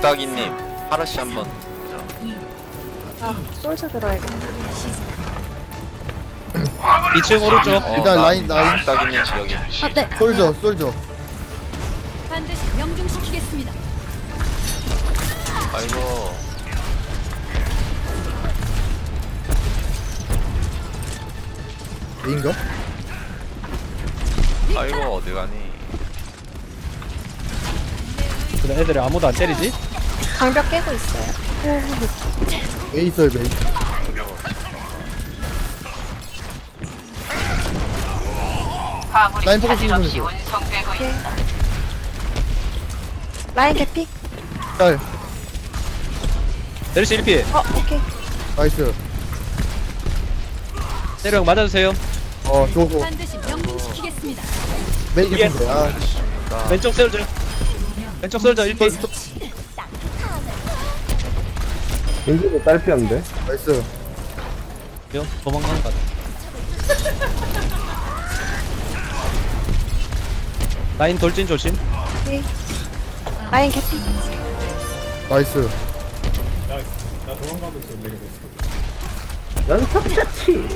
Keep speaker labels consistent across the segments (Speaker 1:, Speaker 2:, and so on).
Speaker 1: 뚝딱이님 하루씨 한번
Speaker 2: 아, 솔저 들어야겠다.
Speaker 3: 2층 오른쪽.
Speaker 4: 일단 라인.
Speaker 1: 뚝딱이님 여기.
Speaker 2: 아, 네.
Speaker 4: 솔져.
Speaker 5: 반드시 명중시키겠습니다.
Speaker 1: 아이고
Speaker 4: A인가?
Speaker 1: 아이고 어디가니.
Speaker 3: 근데 애들이 아무도 안 때리지?
Speaker 2: 방벽 깨고 있어요.
Speaker 4: A 있어요, A. 라인 포커싱 좀 해줘.
Speaker 2: 라인 개피?
Speaker 4: 짤.
Speaker 3: 내리시 1피.
Speaker 2: 오케이.
Speaker 4: 나이스.
Speaker 3: 때려 맞아주세요.
Speaker 4: 좋고.
Speaker 5: 반드시 명중시키겠습니다.
Speaker 4: 메이 개핀데.
Speaker 3: 왼쪽 셀저. 왼쪽 셀저 1피.
Speaker 6: 겐지도 딸피였는데?
Speaker 4: 나이스.
Speaker 3: 도망가는 것 같아. 라인 돌진 조심.
Speaker 2: 오케이. 라인 개피?
Speaker 4: 나이스.
Speaker 6: 연속자치!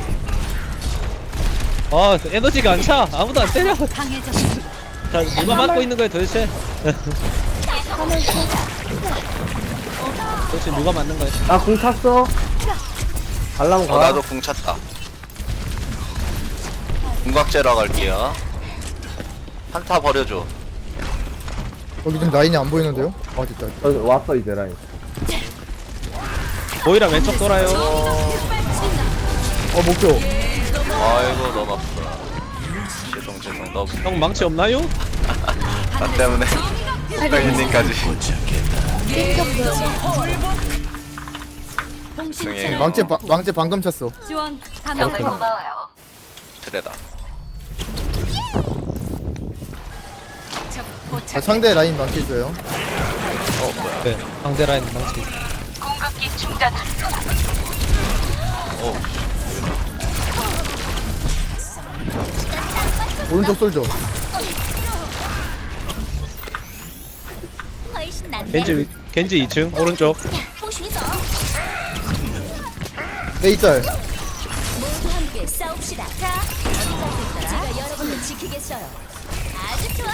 Speaker 3: 아 에너지가 안 차. 아무도 안 때려.
Speaker 5: 강해졌습니다.
Speaker 3: 자 누가 맞고 있는 거야 도대체? 도대체 누가 맞는 거야?
Speaker 6: 나 궁 찼어? 갈랑 가.
Speaker 1: 나도 궁 찼다. 궁각제라 갈게요. 한타 버려줘.
Speaker 4: 거기 지금 라인이 안 보이는데요? 됐다.
Speaker 6: 왔어 이제 라인.
Speaker 3: 보이라 왼쪽 돌아요.
Speaker 4: 목표.
Speaker 1: 아이고 너무 아프다. 죄송 너무
Speaker 3: 형 망치 없나요?
Speaker 1: 나 때문에 뚝딱이님까지.
Speaker 5: 공신체로
Speaker 4: 망치 방금 찼어.
Speaker 5: 지원 감사합니다.
Speaker 1: 트레다.
Speaker 4: 상대 라인 망치 있어요.
Speaker 1: 뭐야.
Speaker 3: 네. 상대 라인 망치.
Speaker 4: 오른쪽 솔져.
Speaker 3: 겐지 2층 오른쪽.
Speaker 4: A 짤.
Speaker 5: 모두 함께 싸웁시다. 자, 제가 여러분을 지키겠어요. 아주 좋아.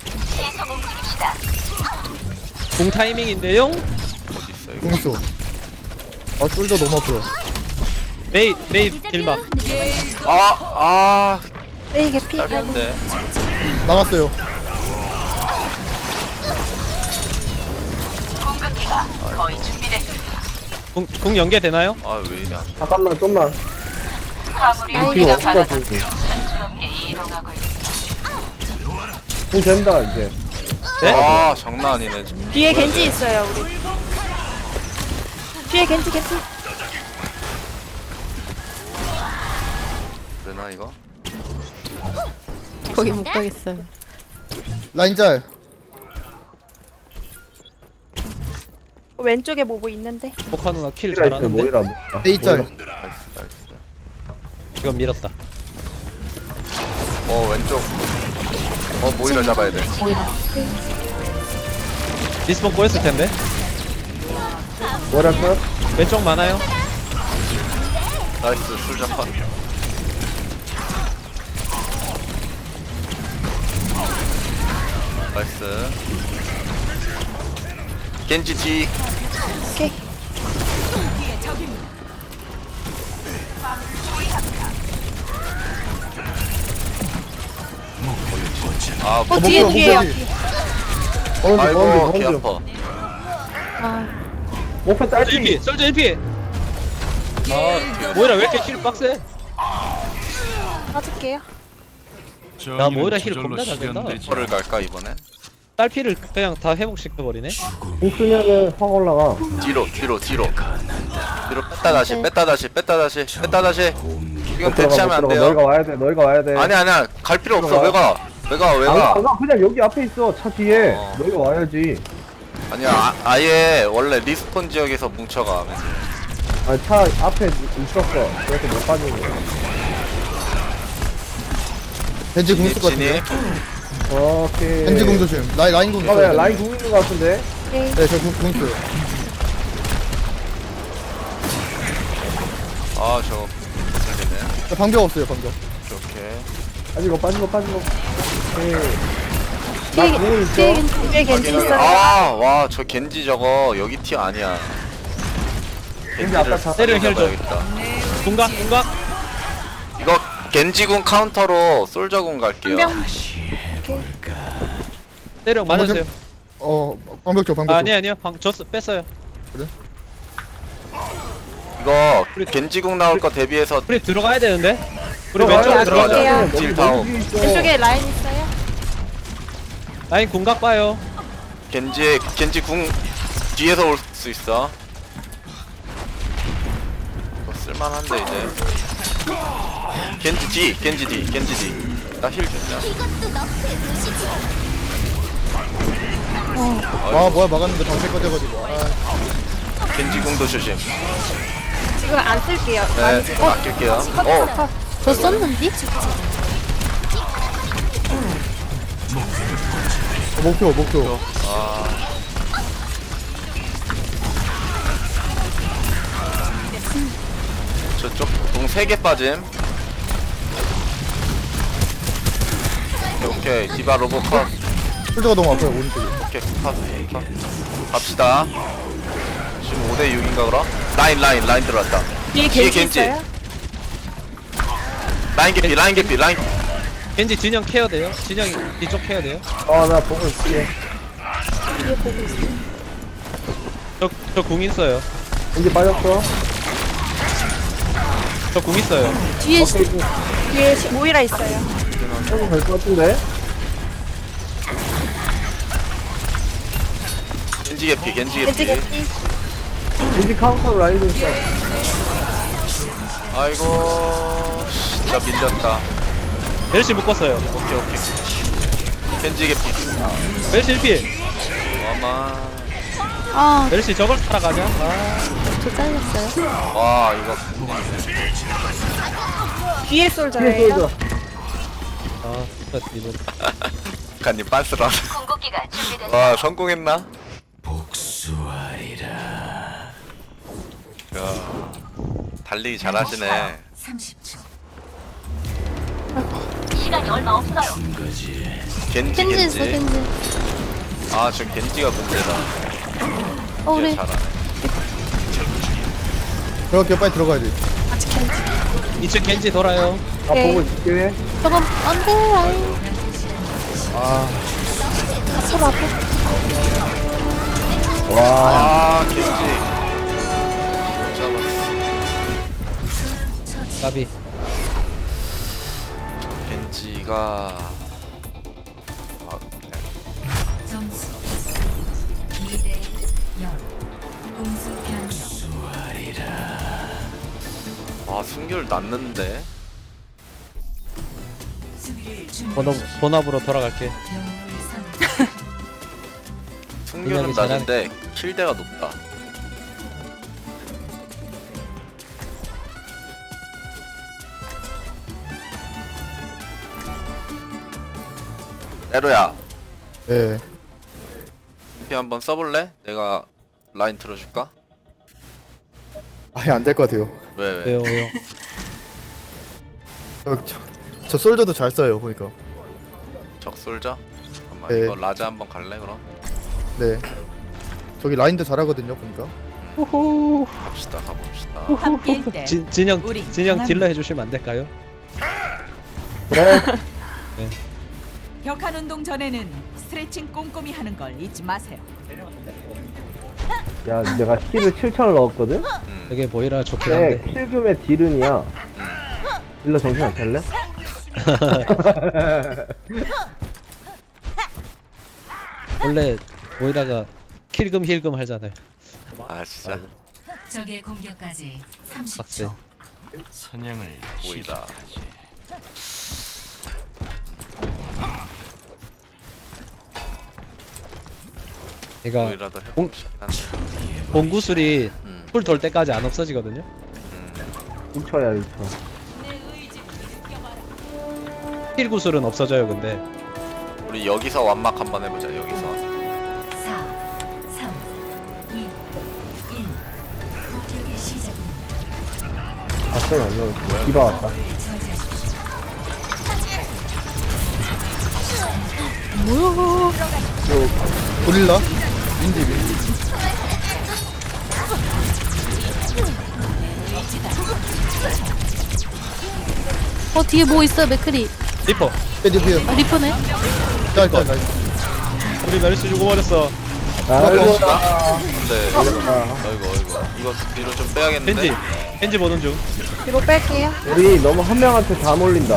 Speaker 3: 공 타이밍인데요.
Speaker 1: 어딨어 이거.
Speaker 4: 궁수. 솔져 너무 아프다.
Speaker 3: 메이 딜박.
Speaker 2: 레이 개피?
Speaker 1: 짧은데.
Speaker 4: 나갔어요.
Speaker 3: 궁 연계 되나요?
Speaker 1: 왜 이래.
Speaker 6: 잠깐만 좀만.
Speaker 2: 라인
Speaker 6: 이거
Speaker 2: 개피?
Speaker 6: 없어 궁 된다 이제.
Speaker 3: 네?
Speaker 1: 장난 아니네 지금.
Speaker 2: 뒤에 겐지 있어요, 우리. 뒤에 겐지 개피?
Speaker 1: 되나 이거?
Speaker 2: 거기 못 가겠어요.
Speaker 4: 라인 짤.
Speaker 2: 왼쪽에 뭐뭐 있는데?
Speaker 3: 포카 누나 킬
Speaker 6: 모이라 있어
Speaker 3: 잘하는데.
Speaker 6: 모이라.
Speaker 4: A 짤.
Speaker 1: 나이스.
Speaker 3: 이건 밀었다.
Speaker 1: 왼쪽. 모이라 잡아야 돼.
Speaker 3: 리스폰 꼬였을 텐데.
Speaker 6: 모이라 컷?
Speaker 3: 왼쪽 많아요.
Speaker 1: 나이스 술잡아. 나이스. 겐지 뒤.
Speaker 2: 오케이. 뒤에
Speaker 4: 목표,
Speaker 2: 뒤에요.
Speaker 4: 목표.
Speaker 6: 오른쪽
Speaker 1: 아이고 개
Speaker 6: 오른쪽.
Speaker 1: 아파.
Speaker 2: 아,
Speaker 6: 목표 딸피.
Speaker 3: 1피 솔저 1피. 모이라 왜 이렇게 힐 빡세?
Speaker 2: 빠질게요.
Speaker 3: 야 모이라 힐 겁나 잘 된다.
Speaker 1: 뭐를 갈까 이번엔?
Speaker 3: 딸피를 그냥 다 회복시켜버리네.
Speaker 6: 궁 쓰면은 확 올라가.
Speaker 1: 뒤로 뺐다 다시 이건 대치하면 안 돼요.
Speaker 6: 너희가 와야 돼.
Speaker 1: 아니야 갈 필요 없어.
Speaker 6: 들어가.
Speaker 1: 왜가
Speaker 6: 나 그냥 여기 앞에 있어 차 뒤에. 너희가 와야지.
Speaker 1: 아니야 아예 원래 리스폰 지역에서 뭉쳐가.
Speaker 6: 차 앞에 있었어. 그래서 못 빠지는 거야.
Speaker 4: 겐지 궁수
Speaker 1: 진입.
Speaker 4: 같은데.
Speaker 6: 오케이.
Speaker 4: 겐지 궁 조심. 라인 궁
Speaker 6: 왜
Speaker 4: 있어요.
Speaker 6: 라인 궁 있는 거 같은데?
Speaker 2: 오케이.
Speaker 4: 네, 저궁 있어요.
Speaker 1: 아 저거 잘리네.
Speaker 4: 저 방벽 없어요, 방벽.
Speaker 1: 이렇게.
Speaker 6: 빠지고 오케이.
Speaker 2: 뒤에,
Speaker 6: 공은 있어.
Speaker 2: 뒤에 겐지 있어요.
Speaker 1: 아와 저 겐지 저거 여기 티 아니야.
Speaker 6: 겐지 아까 다
Speaker 3: 때려 힐 좀.
Speaker 1: 잡아야겠다.
Speaker 3: 공각 공각.
Speaker 1: 이거 겐지군 카운터로 솔저군 갈게요.
Speaker 2: 명.
Speaker 3: 때려 맞았어요.
Speaker 4: 방벽 줘, 방벽 줘.
Speaker 3: 아니요 방 줬어 뺐어요.
Speaker 1: 이거 겐지군 나올 거 대비해서
Speaker 3: 우리 들어가야 되는데. 우리
Speaker 6: 들어가요,
Speaker 3: 왼쪽으로
Speaker 1: 들어가자.
Speaker 3: 들어가자.
Speaker 1: 딜 다운.
Speaker 2: 왼쪽에 라인 있어요.
Speaker 3: 라인 공각 봐요.
Speaker 1: 겐지 궁 뒤에서 올 수 있어. 이거 쓸만한데 이제. 겐지 뒤. 나 힐 준다.
Speaker 5: 이것도 너프의 도시지.
Speaker 4: 아, 뭐야, 막았는데 방패 꺼져가지고.
Speaker 1: 겐지 궁도 조심.
Speaker 2: 지금 안 쓸게요.
Speaker 1: 네, 아낄게요.
Speaker 2: 저 썼는데?
Speaker 4: 목표.
Speaker 1: 아. 저쪽 동 3개 빠짐. 오케이, 디바 로봇 컷.
Speaker 4: 솔저가 너무 아파요, 오른쪽에.
Speaker 1: 오케이, 컷. 갑시다. 지금 5대 6인가 그럼? 라인 들어왔다.
Speaker 2: 뒤에
Speaker 1: 뒤에
Speaker 2: 겐지
Speaker 1: 겐지.
Speaker 2: 있어요.
Speaker 1: 라인 개피.
Speaker 3: 겐지 진영 케어 돼요. 진영이 뒤쪽 케어 돼요.
Speaker 6: 나 보고 있을게.
Speaker 2: 뒤에 보고 있어요.
Speaker 3: 저 궁 있어요.
Speaker 6: 겐지 빠졌어.
Speaker 3: 저 궁 있어요.
Speaker 2: 뒤에
Speaker 6: 오케이.
Speaker 2: 뒤에 모이라 있어요.
Speaker 6: 조금 될것 같은데.
Speaker 1: 겐지 개피.
Speaker 2: 겐지 겐지.
Speaker 6: 겐지 카운터 라인도 있어.
Speaker 1: 아이고, 진짜 밀렸다.
Speaker 3: 멜시 묶었어요.
Speaker 1: 오케이. 겐지 개피.
Speaker 3: 멜시 1피.
Speaker 1: 와마.
Speaker 2: 아,
Speaker 3: 멜시 저걸 살아가냐?
Speaker 2: 저 잘렸어요.
Speaker 1: 와, 이거.
Speaker 2: 뒤에
Speaker 6: 뒤에
Speaker 2: 솔저예요.
Speaker 6: 쏘자.
Speaker 3: 아 진짜 이분.
Speaker 1: 간님 빤스라.
Speaker 5: 공격기가 준비됐다.
Speaker 1: 와, 성공했나? 야, 달리기 잘하시네.
Speaker 5: 30초. 시간이 얼마 없어요.
Speaker 1: 겐지. 아, 저 겐지가 문제다.
Speaker 2: 우리
Speaker 1: 진짜 잘하네.
Speaker 4: 들어갈게요, 빨리 들어가야 돼.
Speaker 2: 아직 겐지.
Speaker 3: 2층 겐지 돌아요.
Speaker 2: 오케이.
Speaker 6: 보고 있을게.
Speaker 2: 저건 안 돼, 라인. 서로 앞에.
Speaker 1: 아, 겐지. 못 잡았어.
Speaker 3: 까비.
Speaker 1: 겐지가. 아, 그냥.
Speaker 5: 점수 2대 0. 공수 변경.
Speaker 1: 아, 승률 났는데.
Speaker 5: 수비를 준비.
Speaker 3: 본업으로 돌아갈게.
Speaker 1: 승률은
Speaker 3: 그냥이 잘하네.
Speaker 1: 낮은데 킬대가 높다. 에로야,
Speaker 4: 네.
Speaker 1: 피 한번 써볼래? 내가 라인 틀어줄까?
Speaker 4: 아예 안 될 것 같아요.
Speaker 1: 왜?
Speaker 3: 왜요?
Speaker 4: 저 솔저도 잘 써요, 보니까.
Speaker 1: 적솔자? 잠깐만,
Speaker 4: 네.
Speaker 1: 이거 라자 한번 갈래 그럼?
Speaker 4: 네. 저기 라인도 잘하거든요, 보니까.
Speaker 1: 가봅시다.
Speaker 7: 함께일 때
Speaker 3: 진영
Speaker 7: 우리
Speaker 3: 진영
Speaker 7: 강합니다.
Speaker 3: 딜러 해주시면 안 될까요?
Speaker 6: 그래.
Speaker 7: 벽한 운동 전에는 스트레칭 꼼꼼히 하는 걸 잊지 마세요.
Speaker 6: 야, 내가 힐을 7,000을 넣었거든?
Speaker 3: 되게 보이라 좋긴
Speaker 6: 근데
Speaker 3: 한데.
Speaker 6: 킬금의 딜은이야. 일러 정신 안 차릴래?
Speaker 3: 원래 보이라가 킬금 힐금 하잖아요.
Speaker 1: 아, 진짜
Speaker 5: 적의 공격까지
Speaker 3: 빡세.
Speaker 5: 30초.
Speaker 1: 보이다.
Speaker 3: 얘가
Speaker 1: 보이라도 해보고 싶긴 한데.
Speaker 3: 공구술이
Speaker 1: 음.
Speaker 3: 풀 돌 때까지 안 없어지거든요.
Speaker 6: 2초야, 2초.
Speaker 3: 힐 구술은 없어져요. 근데
Speaker 1: 우리 여기서 완막 한번 해보자. 여기서.
Speaker 5: 4, 3,
Speaker 6: 봤어요, 아니요. 디바 왔다.
Speaker 4: 고릴라? 민디.
Speaker 2: 뒤에 뭐 있어요, 맥크리.
Speaker 3: 리퍼.
Speaker 4: 헤드피어.
Speaker 2: 아, 리퍼네.
Speaker 4: 짤짤.
Speaker 3: 우리 메르시 죽어버렸어.
Speaker 6: 아이고,
Speaker 1: 네. 아이고 이거 뒤로 좀 빼야겠는데.
Speaker 3: 겐지 보는 중.
Speaker 2: 뒤로 뺄게요.
Speaker 6: 우리 너무 한 명한테 다 몰린다.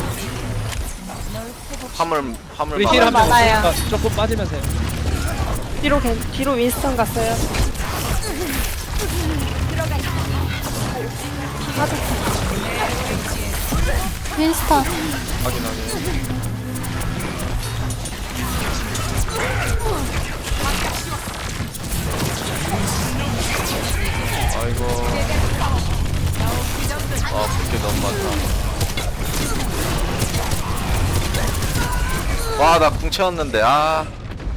Speaker 1: 화물
Speaker 3: 우리 힐 한 명
Speaker 2: 많아요.
Speaker 3: 없으니까 조금 빠지면서 해요.
Speaker 2: 뒤로 윈스턴 갔어요. 윈스턴.
Speaker 1: 확인하게. 아이고. 아, 그렇게 너무 많다. 와, 나 궁 채웠는데, 아.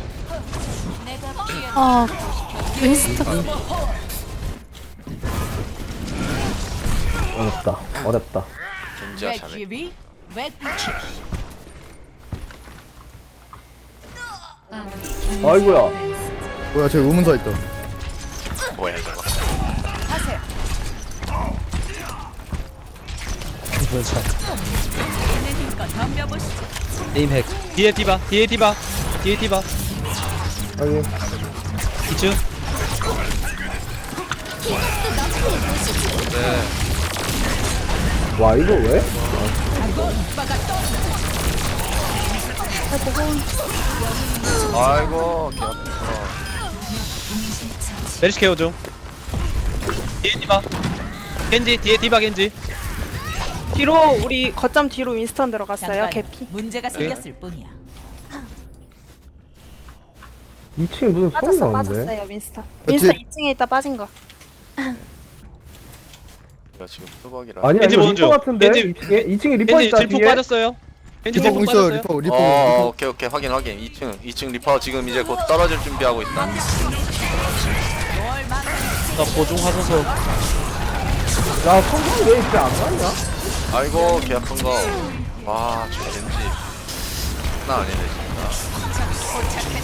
Speaker 2: 윈스턴.
Speaker 6: 어렵다.
Speaker 1: 견지야, 자네.
Speaker 7: 기비
Speaker 6: 아이고야.
Speaker 4: 뭐야, 저기 의문사 있다.
Speaker 1: 뭐야, 저거.
Speaker 3: 그렇죠.
Speaker 7: 덤벼보시죠.
Speaker 3: 에임 핵. 뒤에 디바. 뒤에 디바.
Speaker 6: 아니,
Speaker 3: 2층.
Speaker 1: 네.
Speaker 6: 와, 이거 왜?
Speaker 1: 아이고, 개 아파.
Speaker 3: 메르시 케어 중. 뒤에 디바. 겐지. 뒤에 디바 겐지.
Speaker 8: 뒤로 우리 거점 뒤로 윈스턴 들어갔어요.
Speaker 7: 잠깐,
Speaker 8: 개피.
Speaker 7: 문제가 생겼을 뿐이야.
Speaker 6: 2층에 무슨 소리 나는데?
Speaker 8: 빠졌어요 윈스턴.
Speaker 4: 뒤에-
Speaker 8: 윈스턴 2층에 있다 빠진 거.
Speaker 1: 이거 지금 수박이라.
Speaker 6: 아니야,
Speaker 3: 겐지
Speaker 6: 이거
Speaker 3: 보는
Speaker 6: 리퍼
Speaker 3: 중.
Speaker 6: 같은데?
Speaker 3: 겐지-
Speaker 6: 2층에 리퍼
Speaker 3: 겐지
Speaker 6: 있다,
Speaker 3: 질풍
Speaker 6: 뒤에.
Speaker 3: 빠졌어요. 겐지
Speaker 4: 리퍼
Speaker 3: 질풍
Speaker 4: 공 있어요,
Speaker 3: 빠졌어요.
Speaker 4: 리퍼.
Speaker 1: 오케이, 확인. 2층 리퍼 지금 이제 곧 떨어질 준비하고 있다.
Speaker 3: 나 보중하소서.
Speaker 6: 야, 성공이 왜 이렇게 안 맞냐?
Speaker 1: 아이고, 개 아픈 거. 와, 저 겐지. 장난 아니네, 진짜.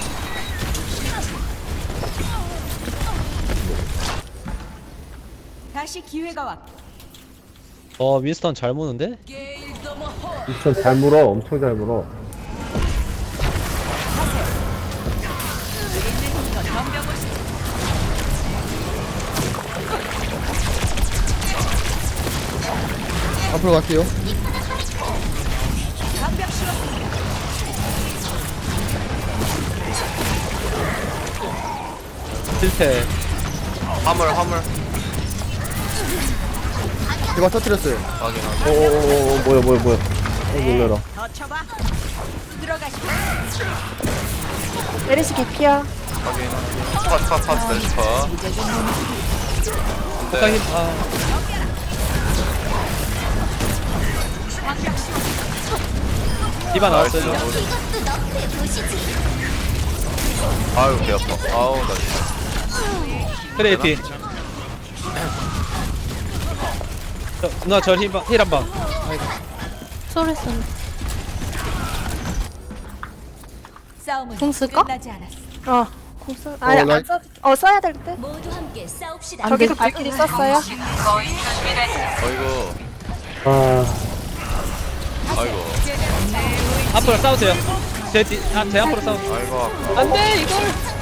Speaker 7: 다시 기회가 왔고.
Speaker 3: 윈스턴 잘 무는데?
Speaker 6: 미션 잘 물어, 엄청 잘 물어.
Speaker 4: 앞으로 갈게요.
Speaker 3: 실패.
Speaker 1: 화물.
Speaker 4: 제가 터뜨렸어요.
Speaker 1: 확인하게.
Speaker 6: 뭐야. 놀래라.
Speaker 7: 더 쳐봐. 들어가시죠.
Speaker 8: 메르시 개피야.
Speaker 1: 확인하게. 컷, 멜스퍼.
Speaker 3: 폭탄 힘. 디바 나왔어요.
Speaker 1: 아유, 개 아파. 아우, 나 진짜.
Speaker 3: 트레이피. 누나 힐 한 방.
Speaker 2: 쏘리 쏘리.
Speaker 7: 싸움은
Speaker 2: 공 쓸까?
Speaker 7: 끝나지 않았어.
Speaker 8: 공 써. 아니
Speaker 4: 라인-
Speaker 8: 안 써. 써야 될 때.
Speaker 5: 모두 함께 싸웁시다.
Speaker 8: 저기서 발길이 썼어요.
Speaker 1: 아이고,
Speaker 6: 아,
Speaker 3: 앞으로 싸우세요. 제 앞으로 싸우.
Speaker 1: 아이고, 아까.
Speaker 3: 안돼 이걸.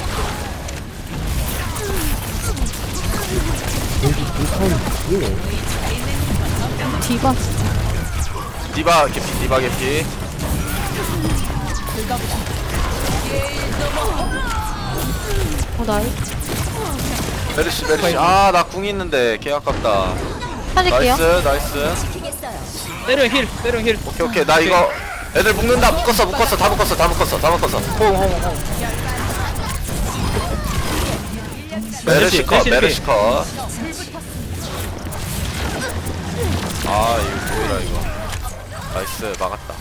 Speaker 2: 디바.
Speaker 1: 디바 개피.
Speaker 2: 나이.
Speaker 1: 메르시. 아, 나 궁 있는데, 개 아깝다.
Speaker 2: 살릴게요.
Speaker 1: 나이스.
Speaker 3: 때려 힐.
Speaker 1: 오케이. 나 이거 애들 묶는다. 묶었어. 다 묶었어. 홍. 메르시 컷. 아, 이거 뭐야 이거. 나이스, 막았다.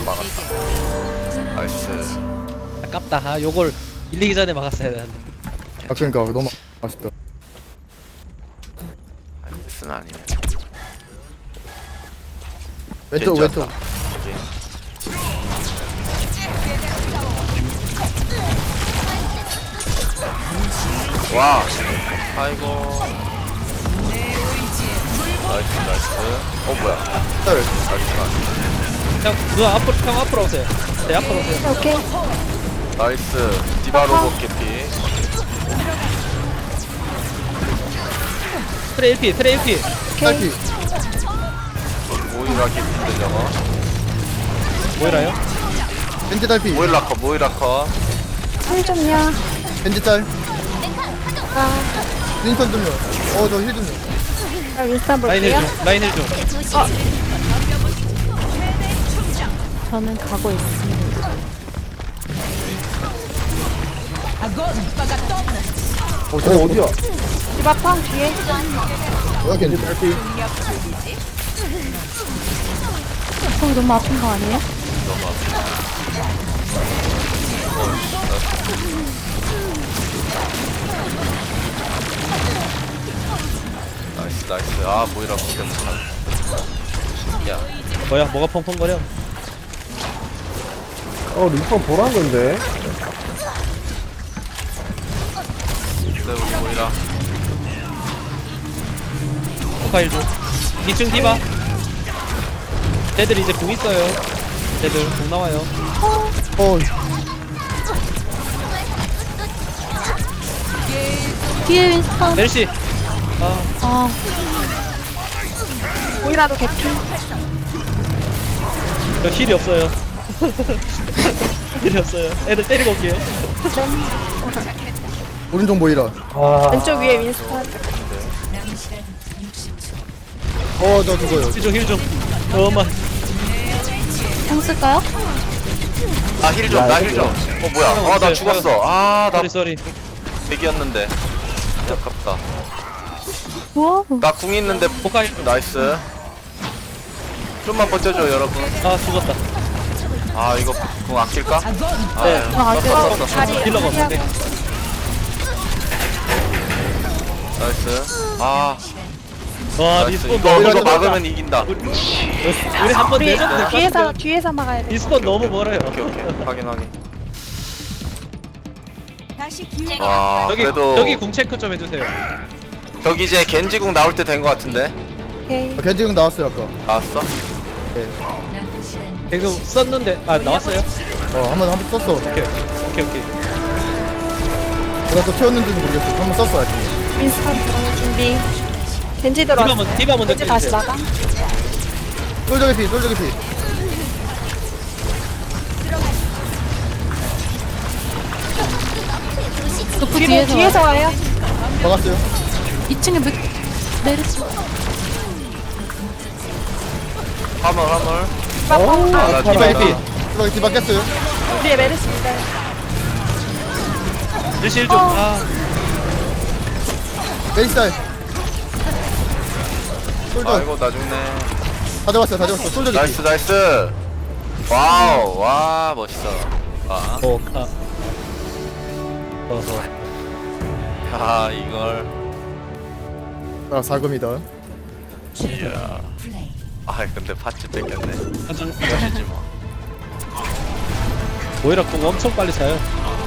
Speaker 1: 나이스.
Speaker 3: 아깝다. 요걸 밀리기 전에 막았어야 되는데.
Speaker 4: 아, 그러니까 너무 아쉽다.
Speaker 1: 나이스는 아니네.
Speaker 4: 왼쪽
Speaker 1: 겐지
Speaker 4: 왼쪽.
Speaker 1: 왔다. 오케이. 와 아이고 나이스 나이스 뭐야
Speaker 4: 딸.
Speaker 1: 나이스
Speaker 3: 형 누나 앞으로 오세요. 네 앞으로 오세요.
Speaker 2: 오케이.
Speaker 1: 나이스 디바로봇 개피
Speaker 3: 트레 1피 트레 1피.
Speaker 4: 딸피.
Speaker 1: 모이라 개피인데 저거
Speaker 3: 뭐이라요?
Speaker 4: 겐지 딸피.
Speaker 1: 모이라 컷
Speaker 2: 힐 좀요.
Speaker 4: 겐지 딸.
Speaker 2: 아,
Speaker 4: 윈턴 좀요. 저 힐 좀요.
Speaker 2: 나 윈스턴
Speaker 3: 라인
Speaker 2: 볼게요.
Speaker 3: 1중 라인 1중.
Speaker 2: 저는 가고 있습니다.
Speaker 6: 저 어디야?
Speaker 8: 디바팡 뒤에.
Speaker 4: 뭐야 겐지 딸피.
Speaker 2: 저기 너무 아픈 거 아니에요?
Speaker 1: 나이스 나이스 아 모이라 컷 때문에 야
Speaker 3: 뭐야 뭐가 펑펑거려?
Speaker 6: 리퍼 보란 건데.
Speaker 1: 네 우리 모이라
Speaker 3: 포카 1중. 2층 디바. 쟤들 이제 공 있어요. 쟤들 공 나와요.
Speaker 2: 뒤에 윈스턴.
Speaker 3: 멜시. 아
Speaker 2: 아,
Speaker 8: 오이라도 개피.
Speaker 3: 저 힐이 없어요. 힐이 없어요. 애들 때리고 올게요.
Speaker 4: 오른쪽 모이라.
Speaker 8: 왼쪽 위에 윈스턴.
Speaker 5: 남은 시간 60초.
Speaker 4: 저 죽어요.
Speaker 3: 힐 좀. 엄마.
Speaker 2: 공 쓸까요?
Speaker 1: 나 힐 좀 뭐야 나 죽었어 아나
Speaker 3: 쏘리 쏘리.
Speaker 1: 백이었는데 아깝다
Speaker 2: 우와.
Speaker 1: 나 궁 있는데
Speaker 3: 포카 1중.
Speaker 1: 나이스 좀만 버텨줘 여러분
Speaker 3: 아 죽었다.
Speaker 1: 아 이거 궁 아낄까?
Speaker 3: 네.
Speaker 1: 썼어
Speaker 8: 다리.
Speaker 3: 힐러가 없는데.
Speaker 1: 나이스 아
Speaker 3: 와
Speaker 1: 나이스
Speaker 3: 리스폰
Speaker 1: 이거
Speaker 3: 너무
Speaker 1: 이거
Speaker 3: 멀다.
Speaker 1: 막으면 이긴다
Speaker 3: 우리 한번
Speaker 8: 우리
Speaker 3: 내줬는데
Speaker 8: 뒤에서 막아야 돼.
Speaker 3: 리스폰 너무 멀어요.
Speaker 1: 오케이 확인
Speaker 7: 다시 기회.
Speaker 1: 와
Speaker 3: 여기
Speaker 1: 그래도
Speaker 3: 여기 궁 체크 좀 해주세요.
Speaker 1: 저기 이제 겐지궁 나올 때 된 거 같은데
Speaker 2: 오케이.
Speaker 4: 겐지 형 나왔어요 아까.
Speaker 1: 나왔어?
Speaker 5: 남은 시간
Speaker 3: 계속 썼는데 나왔어요?
Speaker 4: 한번 썼어.
Speaker 3: 오케이.
Speaker 4: 내가 또 채웠는지는 모르겠어. 한번 썼어 아직.
Speaker 8: 윈스턴 들어올 준비. 겐지 들어왔어.
Speaker 3: 디바 먼저
Speaker 8: 겐지 다시
Speaker 3: 켜주세요.
Speaker 8: 나가.
Speaker 4: 솔저 개피.
Speaker 2: 그
Speaker 8: 뒤로 뒤에서 와요.
Speaker 4: 막았어요.
Speaker 2: 2층에 메르시.
Speaker 1: 화물
Speaker 3: 아, 디바
Speaker 1: 디바
Speaker 3: 1피.
Speaker 4: 디바 깼어요.
Speaker 8: 뒤에 메르시입니다.
Speaker 3: 멜시 1중.
Speaker 4: 베이스 딸. 솔저
Speaker 1: 아이고 나 죽네
Speaker 4: 다 잡았어. 솔저 개피.
Speaker 1: 나이스 와우 와 멋있어 아,
Speaker 3: 포카. 어허.
Speaker 1: 야 이걸
Speaker 4: 사금이다.
Speaker 1: 이야
Speaker 5: 플레이.
Speaker 1: 아 근데 파츠 뺏겼네
Speaker 3: 한점
Speaker 1: 멋이지 뭐
Speaker 3: 오히려 공 엄청 빨리 차요.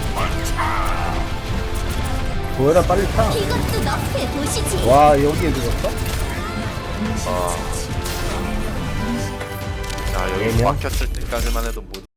Speaker 6: 보여라 빨리 타.
Speaker 5: 이것도 너프에 보시지.
Speaker 6: 와 여기에 들었어?
Speaker 1: 야 여기 막혔을 때까지만 해도 못